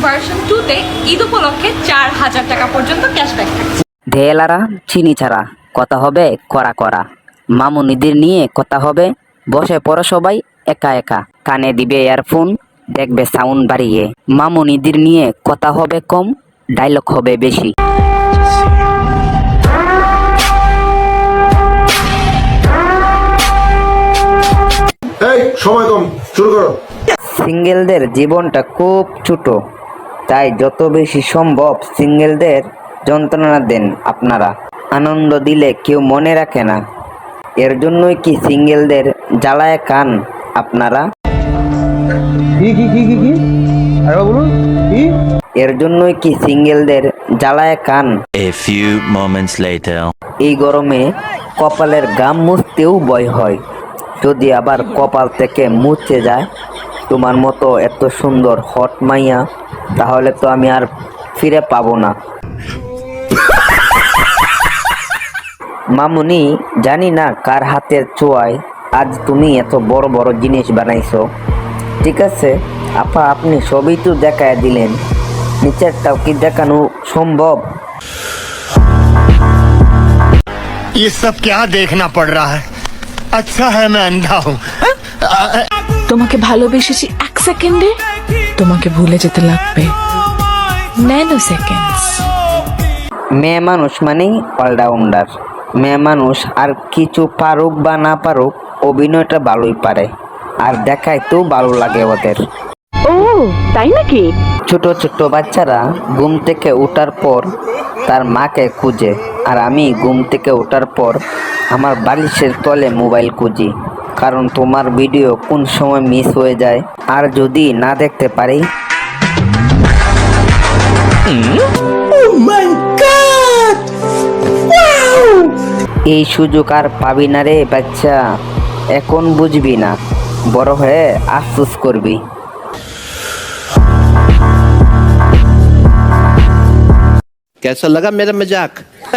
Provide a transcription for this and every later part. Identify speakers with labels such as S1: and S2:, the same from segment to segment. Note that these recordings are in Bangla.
S1: ভার্সন 2 তে ঈদ উপলক্ষে 4000 টাকা পর্যন্ত ক্যাশব্যাক থাকছে।
S2: ঢেলারা চিনি ছাড়া কথা হবে করা করা, মামুনিদের নিয়ে কথা হবে বসে পড়ো সবাই একা একা, কানে দিবে ইয়ারফোন দেখবে সাউন্ড বাড়িয়ে, মামুনিদের নিয়ে কথা হবে কম ডায়লগ হবে বেশি।
S3: এই সময় কম, শুরু করো।
S2: সিঙ্গেলদের জীবনটা খুব ছোট, তাই যত বেশি সম্ভব সিঙ্গেলদের যন্ত্রণা দেন আপনারা। আনন্দ দিলে কেউ মনে রাখে না, এর জন্যই কি সিঙ্গেলদের জ্বালায় কান আপনারা? এর জন্যই কি সিঙ্গেলদের জ্বালায় কান?
S4: A few moments later.
S2: এই গরমে কপালের গাম মুছতেও ভয় হয়, যদি আবার কপাল থেকে মুছে যায় তোমার মতো এত সুন্দর হট মাইয়া, তাহলে তো আমি আর ফিরে পাবো না। মামুনি, জানি না কার হাতের ছোঁয়ায় আজ তুমি এত বড় বড় জিনিস বানাইছো। ঠিক আছে আপা, আপনি সবই তো দেখায় দিলেন, নিচেরটাও কি দেখানো সম্ভব?
S5: ये सब क्या देखना पड़ रहा है? अच्छा है मैं अंधा हूँ।
S6: তোমাকে ভালোবেসেছি 1 সেকেন্ডে, তোমাকে ভুলে যেতে লাগবে ন্যানো সেকেন্ডস।
S2: মেয়ে মানুষ মানেই অলরাউন্ডার। মেয়ে মানুষ আর কিছু পারুক বা না পারুক, অভিনয়টা ভালোই পারে, আর দেখাইতেও ভালো লাগে ওদের।
S6: ও তাই নাকি?
S2: ছোট ছোট বাচ্চারা ঘুম থেকে ওঠার পর তার মাকে খুঁজে, আর আমি ঘুম থেকে ওঠার পর আমার বালিশের তলে মোবাইল খুঁজি, কারণ তোমার ভিডিও কোন সময় মিস হয়ে যায়, আর যদি না দেখতে পারি। এই সুযোগ আর পাবি না রে বাচ্চা, এখন বুঝবি না, বড় হয়ে আফসোস করবি।
S7: कैसा लगा मेरा मजाक?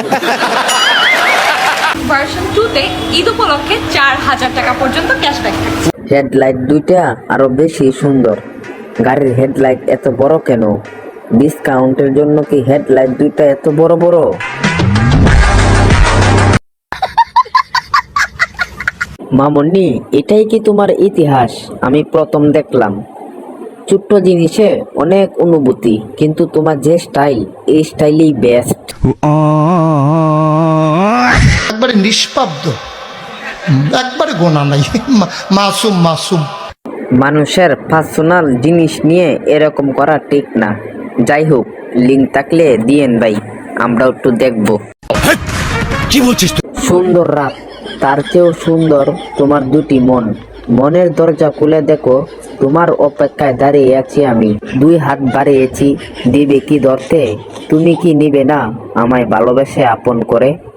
S1: ভার্সন 2 তে ঈদ উপলক্ষে 4000 টাকা পর্যন্ত ক্যাশব্যাক থাকছে।
S2: হেডলাইট দুইটা আরো বেশি সুন্দর। গাড়ির হেডলাইট এত বড় কেন? ডিসকাউন্টের জন্য কি হেডলাইট দুইটা এত বড় বড়? মামুনি, এটাই কি তোমার ইতিহাস? আমি প্রথম দেখলাম। ছোট্ট জিনিসে অনেক অনুভূতি, কিন্তু তোমার যে স্টাইল, এই স্টাইলই বেস্ট।
S5: একবারে নিষ্পাব্দ, একবারে গোনা নাই, মাসুম মাসুম।
S2: মানুষের পার্সোনাল জিনিস নিয়ে এরকম করা ঠিক না। যাই হোক, লিঙ্ক থাকলে দিয়েন ভাই, আমরা একটু দেখবো।
S7: কি বলছিস তুই?
S2: সুন্দর রাত, তার চেয়েও সুন্দর তোমার দুটি মন। মনের দরজা খুলে দেখো, তোমার অপেক্ষায় দাঁড়িয়ে আছি আমি, 2 হাত বাড়িয়েছি, দিবে কি ধরতে? তুমি কি নিবে না আমায় ভালোবেসে আপন করে?